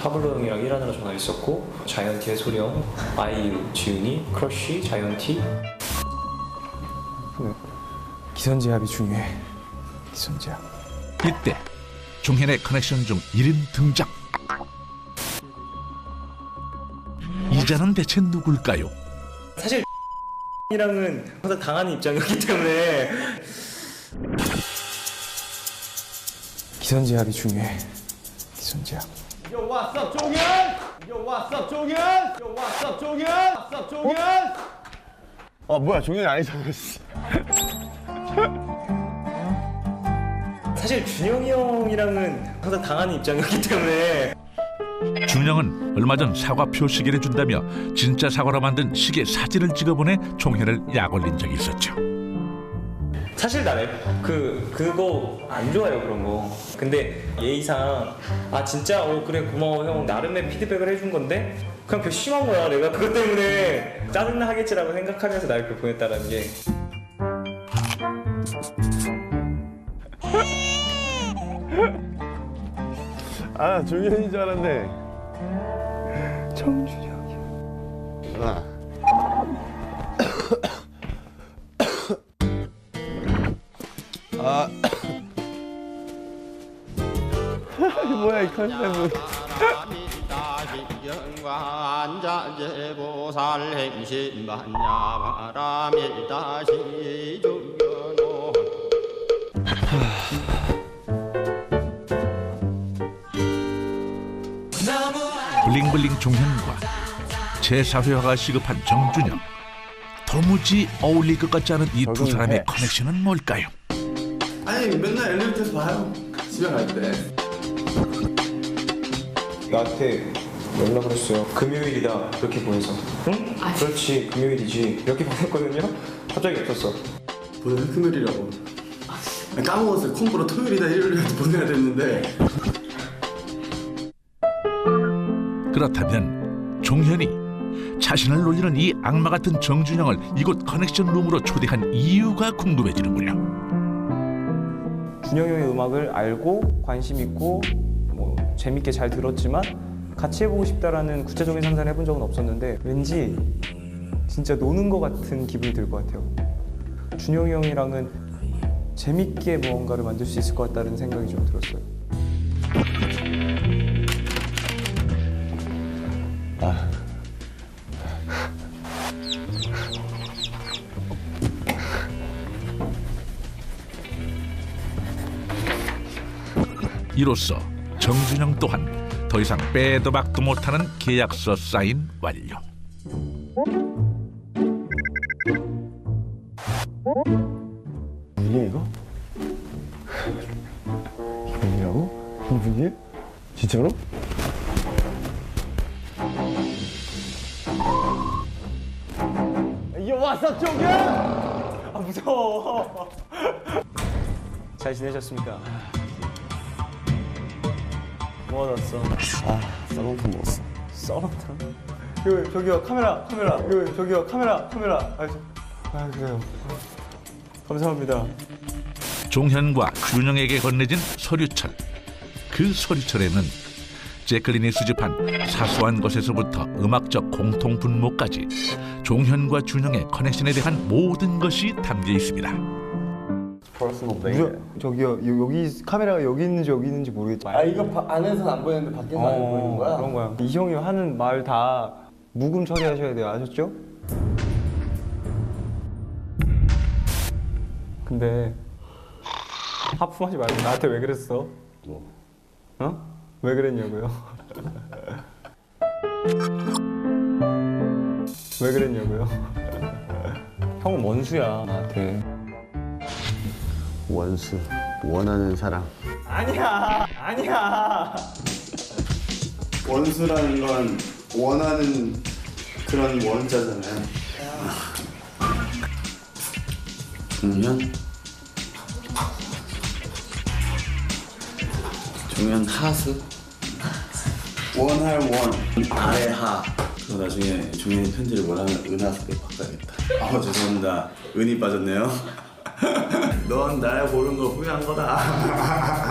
타블로 형이랑 일하느라 전화했었고, 자이언티의 소령, 아이유, 지훈이, 크러쉬, 자이언티. 기선제압이 중요해. 기선제압. 이때 종현의 커넥션 중 1인 등장. 이자는 대체 누굴까요? 사실 이랑은 항상 당하는 입장이었기 때문에 기선제압이 중요해. 기선제압. Yo, what's up, 종현? Yo, what's up, 종현? Yo, what's up, 종현? What's up, 종현? 뭐야, 종현이 아니잖아. 사실 준영이 형이랑은 항상 당하는 입장이었기 때문에 준영은 얼마 전 사과 표시계를 준다며 진짜 사과로 만든 시계 사진을 찍어보내 종현을 약 올린 적이 있었죠. 사실 나 그거 안 좋아요, 그런 거. 근데 예의상 진짜 그래 고마워 형, 나름의 피드백을 해준 건데 그냥 심한 거야. 내가 그것 때문에 짜증나 하겠지라고 생각하면서 날 그렇게 보냈다라는 게. 종현인 줄 알았네. 정준영이야. 뭐야, 이 컨셉은. 블링블링 종현과 제4회화가 시급한 정준영. 도무지 어울릴 것 같지 않은 이 두 사람의 커넥션은 뭘까요? 아니 맨날 엘리베이터에서 봐요. 집에 갈 때. 나한테 연락을 했어요. 금요일이다 이렇게 보내서. 응? 그렇지 금요일이지 이렇게 보냈거든요. 갑자기 없었어. 보내는 금요일이라고. 까먹었어요. 콤보로 토요일이다 일요일이다 보내야 됐는데. 그렇다면 종현이 자신을 놀리는 이 악마 같은 정준영을 이곳 커넥션 룸으로 초대한 이유가 궁금해지는군요. 준영이 형의 음악을 알고 관심 있고 뭐 재밌게 잘 들었지만 같이 해보고 싶다라는 구체적인 상상을 해본 적은 없었는데 왠지 진짜 노는 것 같은 기분이 들 것 같아요. 준영이 형이랑은 재밌게 무언가를 만들 수 있을 것 같다는 생각이 좀 들었어요. 이로써 정준영 또한 더 이상 빼도 박도 못하는 계약서 사인 완료. 분이야, 이거? 분이라고? 분이야? 진짜로? Yo, what's up, 종현? 무서워. 잘 지내셨습니까? 뭐 얻었어? 썰렁탕 먹었어. 썰렁탕? 저기요 카메라. 저기요 카메라. 그래요. 감사합니다. 종현과 준영에게 건네진 서류철. 그 서류철에는 제클린이 수집한 사소한 것에서부터 음악적 공통분모까지 종현과 준영의 커넥션에 대한 모든 것이 담겨 있습니다. 저기요 여기 카메라가 여기 있는지 모르겠지만 이거 안에서는 안 보이는데 밖에서 안 보이는 거야? 그런 거야. 이 형이 하는 말 다 묵음 처리하셔야 돼요. 아셨죠? 근데 하품하지 말고 나한테 왜 그랬어? 뭐? 어? 왜 그랬냐고요? 왜 그랬냐고요? 형은 원수야 나한테. 원수, 원하는 사람. 아니야. 원수라는 건 원하는 그런 원자잖아요. 종현 하수. 원할 원, 아래 하. 그거 나중에 종현이 편지를 뭐라면 은하수로 바꿔야겠다. 죄송합니다. 은이 빠졌네요. 넌 날 고른 거 후회한 거다.